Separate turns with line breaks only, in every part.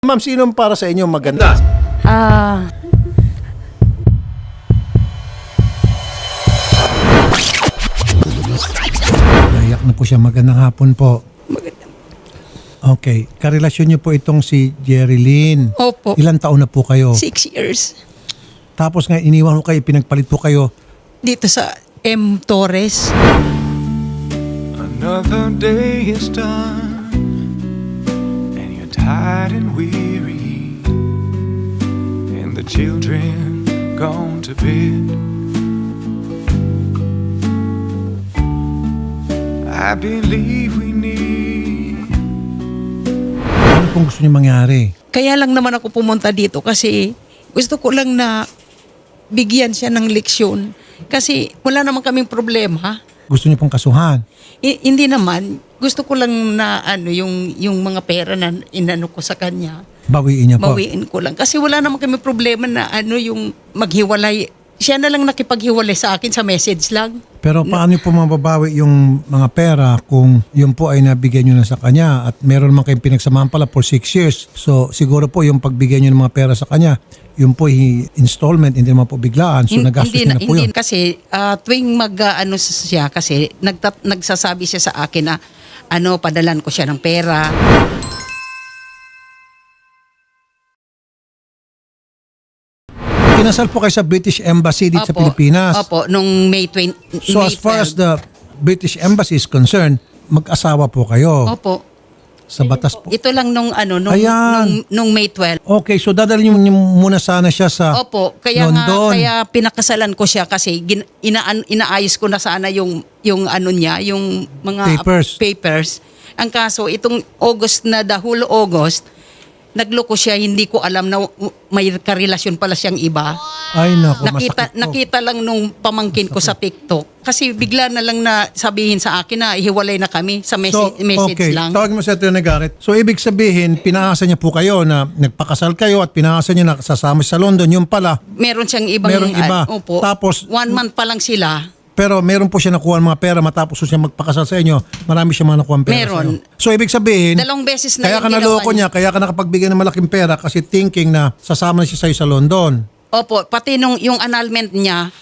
Ma'am, sinong para sa inyo maganda? Nayak na po siya. Magandang hapon po. Okay. Karelasyon niyo po itong si Jerry Lynn.
Opo.
Ilang taon na po kayo?
6 years.
Tapos nga iniwan ko kayo, pinagpalit po kayo.
Dito sa M. Torres.
Another day is done, and you're tired and weary, and the children gone to bed. I believe we need.
Ano pong gusto niyo mangyari?
Kaya lang naman ako pumunta dito kasi gusto ko lang na bigyan siya ng leksyon. Kasi wala naman kaming problema.
Gusto niyo pong kasuhan?
Hindi naman. Gusto ko lang na yung mga pera na inano ko sa kanya.
Bawiin niya po?
Bawiin ko lang. Kasi wala naman kami problema na yung maghiwalay. Siya na lang nakipaghiwalay sa akin sa message lang.
Pero paano po mababawi yung mga pera kung yun po ay nabigyan nyo na sa kanya at meron naman kayong pinagsamahan pala for 6 years. So siguro po yung pagbigyan nyo ng mga pera sa kanya, yun po installment, hindi naman po biglaan. So nagastos niya na po yun.
Kasi tuwing mag-ano siya kasi nagsasabi siya sa akin na padalan ko siya ng pera.
Kinasal po kayo sa British Embassy dito sa
Opo.
Pilipinas.
Opo, nung May 20.
So as far as the British Embassy is concerned, mag-asawa po kayo.
Opo.
Sa batas po.
Ito lang
Ayan.
nung May 12.
Okay, so dadalhin niyo muna sana siya sa
Opo, kaya
London.
kaya pinakasalan ko siya kasi inaayos ko na sana yung niya, yung mga papers. Ang kaso itong August na the whole August, nagloko siya, hindi ko alam na may karelasyon pala siyang iba.
Ay naku, masakit po.
Nakita lang nung pamangkin ko sa TikTok. Kasi bigla na lang na sabihin sa akin na ihiwalay na kami sa message
okay.
lang.
Tawagin mo si Atty. Garrett. So, ibig sabihin, pinaasa niya po kayo na nagpakasal kayo at pinaasa niya na sasama sa London. Yung pala,
Meron siyang ibang...
Merong iba.
Opo.
Tapos,
1 month pa lang sila.
pero meron po siya nakuha ng mga pera matapos siya magpakasal sa inyo. Marami siya mga nakuha ng pera
Meron.
sa inyo. So, ibig sabihin,
2 beses na
kaya
yung
ka
ginawa
naloko niya, kaya ka nakapagbigay ng malaking pera kasi thinking na sasama na siya sa'yo sa London.
Opo, pati yung annulment niya,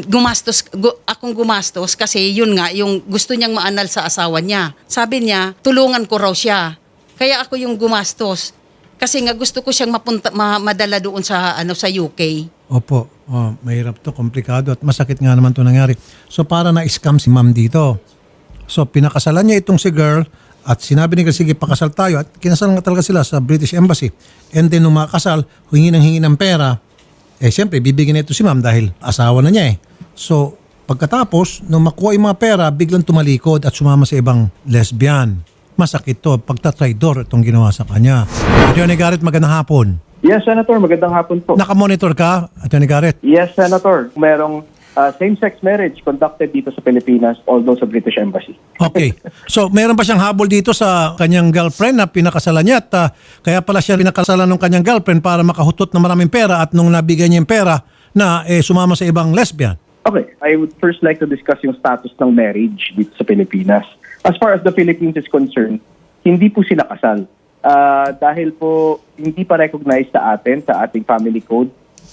akong gumastos kasi yun nga, yung gusto niyang maanal sa asawa niya. Sabi niya, tulungan ko raw siya. Kaya ako yung gumastos. Kasi nga gusto ko siyang madala doon sa sa UK.
Opo. Mahirap to, komplikado at masakit nga naman to nangyari. So para na-scam si ma'am dito. So pinakasalan niya itong si girl at sinabi niya sige pakasal tayo at kinasal nga talaga sila sa British Embassy. And then nung makasal, hingi ng pera. Siyempre bibigyan na ito si ma'am dahil asawa na niya eh. So pagkatapos, nung makuha yung mga pera, biglang tumalikod at sumama sa ibang lesbian. Masakit to, pagtatraidor itong ginawa sa kanya. Atty. Garrett, magandang hapon.
Yes, Senator. Magandang hapon po.
Nakamonitor ka, Atty. Garrett?
Yes, Senator. Merong same-sex marriage conducted dito sa Pilipinas, although sa British Embassy.
Okay. So, meron ba siyang habol dito sa kanyang girlfriend na pinakasalan niya at kaya pala siya pinakasalan ng kanyang girlfriend para makahutot ng maraming pera at nung nabigyan niya yung pera na sumama sa ibang lesbian?
Okay. I would first like to discuss yung status ng marriage dito sa Pilipinas. As far as the Philippines is concerned, hindi po sila kasal. Dahil po hindi pa recognized sa atin, sa ating family code,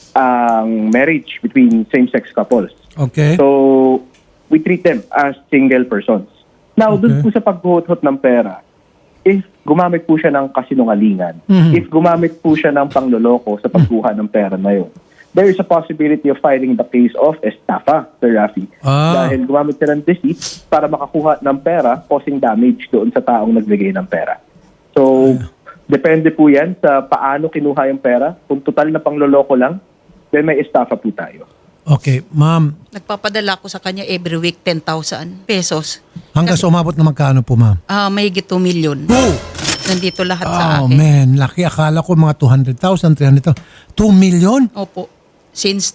ang marriage between same-sex couples.
Okay.
So, we treat them as single persons. Now, dun po sa paghuhot ng pera, if gumamit po siya ng kasinungalingan, if gumamit po siya ng pangloloko sa pagkuha ng pera na yun, there is a possibility of filing the case of estafa, Sir Rafi. Dahil gumamit siya ng deceit para makakuha ng pera, causing damage doon sa taong nagbigay ng pera. So, depende po yan sa paano kinuha yung pera. Kung total na pangloloko lang, then may estafa po tayo.
Okay, ma'am.
Nagpapadala ko sa kanya every week 10,000 pesos.
Hanggang sa umabot na magkano po, ma'am?
Mahigit 2 million.
Oh!
Nandito lahat sa
Oh,
akin.
man. Laki. Akala ko mga 200,000, 300,000. 2 million?
Opo. Since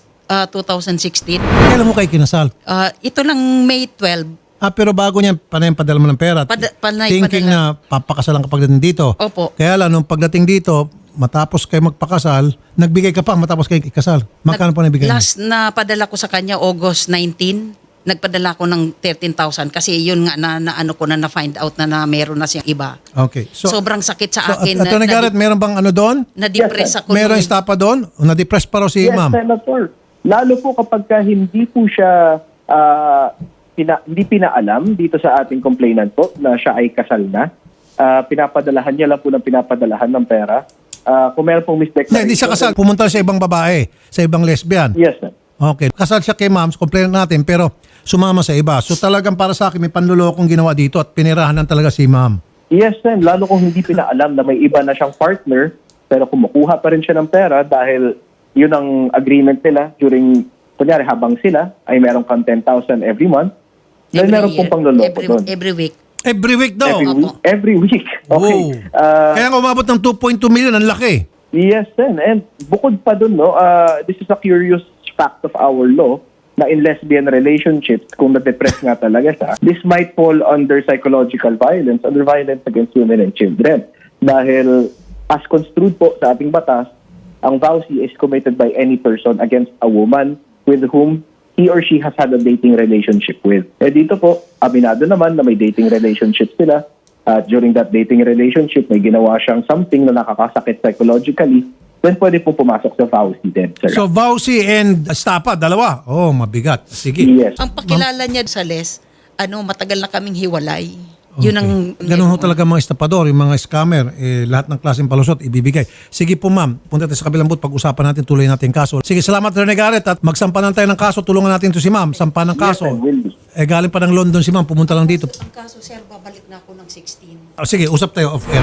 2016.
Kailan mo kayo kinasal?
Ito lang May 12.
Pero bago niyan, padala mo ng pera. Thinking
padala.
na papakasalan ka pagdating dito.
Opo.
Kaya lang, nung pagdating dito, matapos kayo magpakasal, nagbigay ka pa matapos kayo ikasal. Magkano po nabigay niya?
Last na padala ko sa kanya August 19. nagpadala ko ng 13,000 kasi yun nga na ano ko na find out na meron na siyang iba.
Okay. So,
Sobrang sakit sa akin
Attorney Garrett, meron bang ano doon?
na-depress ako.
Merong
nung-
estapa doon? O na-depress pa raw si
Yes,
ma'am?
Senator. Lalo po kapag hindi po siya hindi pinaalam dito sa ating complainant po na siya ay kasal na. Pinapadalahan niya lang po ng pinapadalahan ng pera. Kung meron pong misdeclaration.
Hindi siya kasal. Pumunta sa ibang babae, sa ibang lesbian.
Yes, sir.
Okay. Kasal siya kay ma'am, complainant natin, pero sumama sa iba. So talagang para sa akin, may panlulokong ginawa dito at pinirahan talaga si ma'am.
Yes, sir. Lalo kung hindi pinaalam na may iba na siyang partner, pero kumukuha pa rin siya ng pera dahil yun ang agreement nila during, kunyari, habang sila ay meron kang 10,000 every month, dahil meron pong pangloloko doon.
Every week.
Every week daw.
Every week. Okay.
Wow. Kaya nga umabot ng 2.2 million, ang laki.
Yes, then. And bukod pa dun, no, this is a curious fact of our law na in lesbian relationships, kung na-depress nga talaga siya, this might fall under psychological violence, under violence against women and children. Dahil as construed po sa ating batas, ang VAUSI is committed by any person against a woman with whom he or she has had a dating relationship with. Eh dito po, aminado naman na may dating relationship sila. At during that dating relationship, may ginawa siyang something na nakakasakit psychologically, then pwede po pumasok sa VAUSI din, sir.
So VAUSI and estapa, dalawa. Oh, mabigat. Sige.
Yes.
Ang pakilala niya sa Les, matagal na kaming hiwalay. Yun ang...
Ganun ho talaga mga estapador, yung mga scammer, lahat ng klaseng palusot ibibigay. Sige po ma'am, punta tayo sa kabilang booth, pag-usapan natin, tuloy natin yung kaso. Sige, salamat Attorney Garrett at magsampanan tayo ng kaso, tulungan natin to si ma'am, sampan ng kaso.
Yes, I will be.
Galing pa ng London si ma'am, pumunta lang dito.
Ang kaso, sir, babalik na ako ng 16.
Sige, usap tayo off air.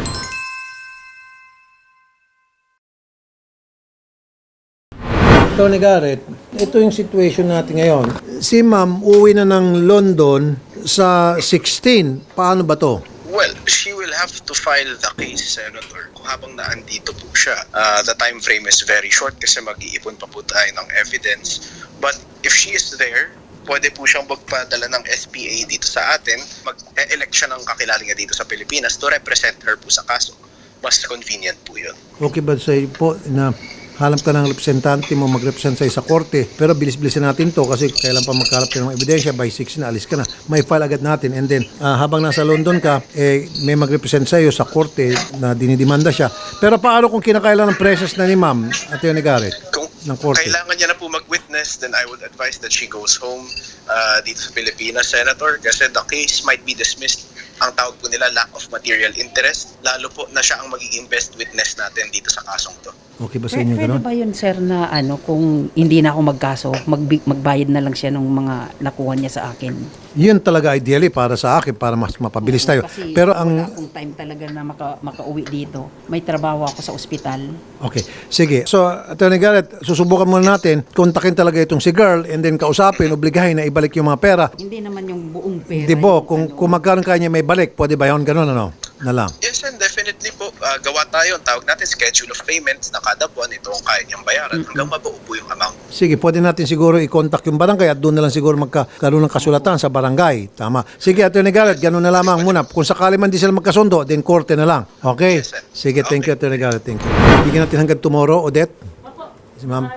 Attorney Garrett, ito yung situation natin ngayon. Si ma'am uwi na ng London sa 16. Paano ba to?
Well, she will have to file the case, Senator, habang naandito po siya. The time frame is very short kasi mag-iipon pa po tayo ng evidence. But if she is there, pwede po siyang magpadala ng SPA dito sa atin. Mag-elect siya ng kakilala niya dito sa Pilipinas to represent her po sa kaso. Mas convenient po yun.
Okay ba sa iyo po na hanap ka ng representante mo mag-represent sa korte, pero bilis-bilisan natin to kasi kailan pa magkalap ka ng ebidensya, by 6 na alis ka na. May file agad natin and then habang nasa London ka, may mag-represent sa iyo sa korte na dinidimanda siya. Pero paano kung kinakailan ng presence na ni ma'am, Attorney Garrett,
Kung
ng korte?
kailangan niya na po mag-witness, then I would advise that she goes home dito sa Pilipinas, Senator, kasi the case might be dismissed. Ang tawag po nila lack of material interest, lalo po na siya ang magiging best witness natin dito sa kasong to.
Okay ba sa inyo
Pwede
gano'n?
ba yun, sir, na kung hindi na ako magkaso, magbayad na lang siya ng mga nakuha niya sa akin?
Yun talaga ideally para sa akin, para mas mapabilis tayo.
Kasi
Pero
wala
ang...
akong time talaga na makauwi dito. May trabaho ako sa ospital.
Okay. Sige. So, Attorney Garrett, susubukan muna natin, kontakin talaga itong si girl and then kausapin, obligahin na ibalik yung mga pera.
Hindi naman yung buong pera.
Di ba?
yung
Kung magkano kanya may balik, pwede ba yun? Ganun, ano? Na lang.
Yes, and definitely po, gawa tayo. Ang tawag natin, schedule of payments na kada buwan, ito ang kaya niyang bayaran hanggang mabuo po yung amount.
Sige, pwede natin siguro i-contact yung barangay at doon na lang siguro magkaroon ng kasulatan sa barangay. Tama. Sige, Attorney Garrett, ganun na lamang muna. Kung sakali man di sila magkasundo, then korte na lang. Okay?
Yes, sir.
Sige, thank you, Attorney Garrett. Thank you. Bigyan natin hanggang tomorrow, Odette. Si ma'am.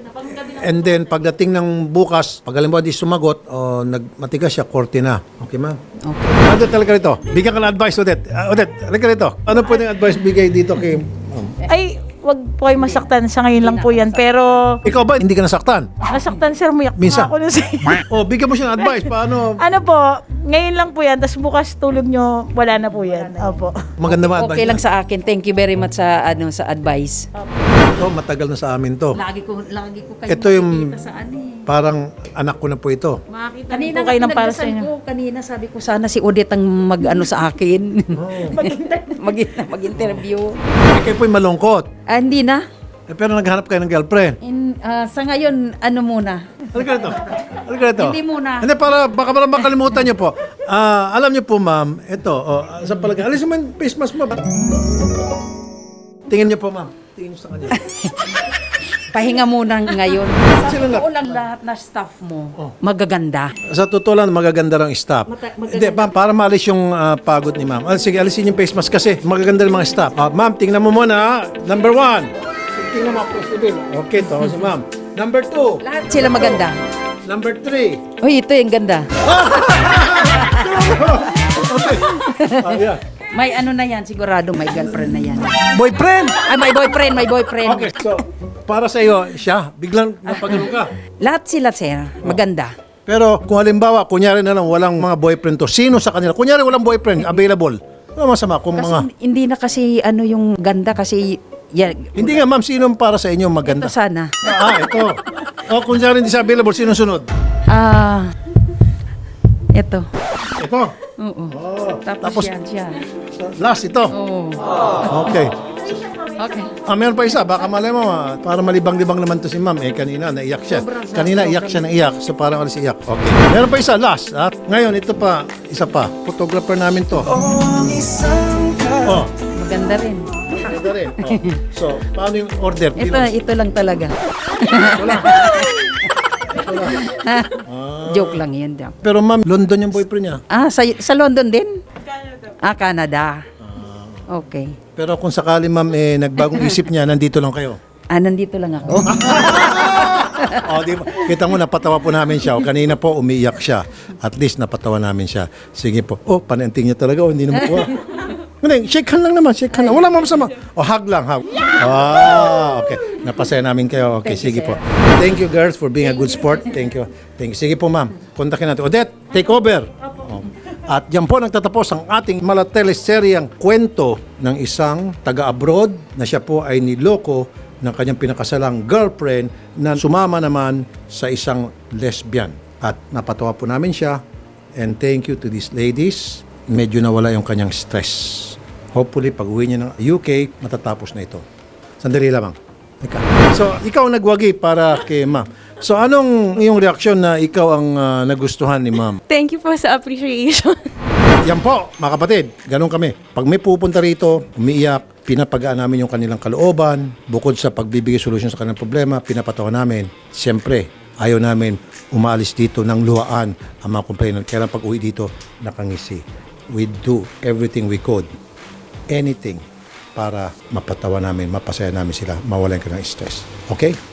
And then, pagdating ng bukas, pag alam mo di sumagot o matigas siya, korte na. Okay, ma'am?
Okay.
Odette, talaga rito. Bigyan ka ng advice, Odette. Odette, talaga rito. Ano pwedeng advice bigay dito kay ma'am?
Ay, wag po kayo masaktan. Sa ngayon lang po yan. Pero,
Ikaw ba, hindi ka nasaktan?
nasaktan sir, umiyak
Minsan.
pa ako.
O, bigyan mo siya ng advice. Paano?
Ano po, ngayon lang po yan. Tapos bukas tulog nyo, wala na po yan. Opo.
Maganda ba advice?
Okay lang sa akin. Thank you very much sa sa advice.
Ito, matagal na sa amin to.
Lagi ko kayo
Ito yung
makikita sa
parang anak ko na po ito.
Makakita
Kanina
po kayo ng para sa
pinagdasal
inyo.
ko, kanina sabi ko sana si Odette ang mag-ano sa akin. Mag-interview.
Kayo po'y malungkot.
Hindi na.
Pero naghanap kayo ng girlfriend.
Sa ngayon, ano muna?
Halika rito. Halika rito.
Hindi muna.
Hindi, baka makalimutan niyo po. Alam niyo po, ma'am, ito, sa palagay. Alis mo yung face mask mo. Tingin niyo po, ma'am. Tingin niyo sa kanya.
Pahinga muna ngayon.
Sila
Sa totoo lang lahat na staff mo, magaganda.
Sa totoo lang, magaganda ng staff.
Magaganda.
Hindi, ma'am, para maalis yung pagod ni ma'am. Sige, alisin yung face mask kasi magaganda ng mga staff. Ma'am, tingnan mo muna. Number 1. Tingnan mo, Chris Evil. Okay, to si ma'am. Number 2.
Lahat sila maganda.
Number 3.
Uy, ito yung ganda.
Ayan.
May ano na yan, sigurado may girlfriend na yan.
Boyfriend!
Ay, may boyfriend.
Okay, so, para sa iyo, siya, biglang napagano ka.
Lahat sila, sir. Maganda.
Pero kung halimbawa, kunyari na lang, walang mga boyfriend to, sino sa kanila? Kunyari walang boyfriend, available. Ano masama kung
Kasi
mga...
hindi na kasi ano yung ganda kasi yan,
Hindi nga, ma'am, sino para sa inyo maganda?
ito sana.
Ito. O, kunyari hindi siya available, sino sunod?
Ito.
Ito.
Oo.
Tapos-
Tapos yan siya.
Last, ito.
Oo.
Okay.
Okay.
Meron pa isa, baka malay mo, para malibang-libang naman to si ma'am. Kanina, naiyak siya. Kanina, iyak siya, naiyak. So, parang alis iyak. Okay. Meron pa isa, last. At ngayon, ito pa, isa pa. Photographer namin to. Oh,
Maganda rin.
ito rin. Oh. So, paano yung order?
Ito lang talaga. Joke lang yan. Joke.
Pero ma'am, London yung boyfriend niya.
Sa London din? Canada. Okay.
Pero kung sakali ma'am, nagbagong isip niya, nandito lang kayo.
Nandito lang ako.
Di ba? Kita mo, napatawa po namin siya. Kanina po, umiiyak siya. At least, napatawa namin siya. Sige po. Pananting niya talaga. Hindi na makuha. Hindi, shake hand lang naman. Shake hand lang. Wala masama. Hug lang, hug. Okay. Napasaya namin kayo. Okay, sige po. Thank you, girls, for being a good sport. Thank you. Thank you. Sige po, ma'am. Kontakin natin. Odette, take over. At yan po nagtatapos ang ating malateleseryang kwento ng isang taga-abroad na siya po ay niloko ng kanyang pinakasalang girlfriend na sumama naman sa isang lesbian. At napatawa po namin siya. And thank you to these ladies. Medyo nawala yung kanyang stress. Hopefully, pag uwi niya ng UK, matatapos na ito. Sandali lamang. So, ikaw ang nagwagi para kay ma'am. So, anong iyong reaksyon na ikaw ang nagustuhan ni ma'am?
Thank you po sa appreciation.
Yan po, mga kapatid. Ganun kami. Pag may pupunta rito, umiiyak, pinapagaan namin yung kanilang kalooban. Bukod sa pagbibigay solusyon sa kanilang problema, pinapatawa namin. Siyempre, ayaw namin umaalis dito ng luhaan ang mga complainant. Kaya lang pag uwi dito, nakangisi. We do everything we could. Anything para mapatawa namin, mapasaya namin sila, mawalan ka ng stress. Okay?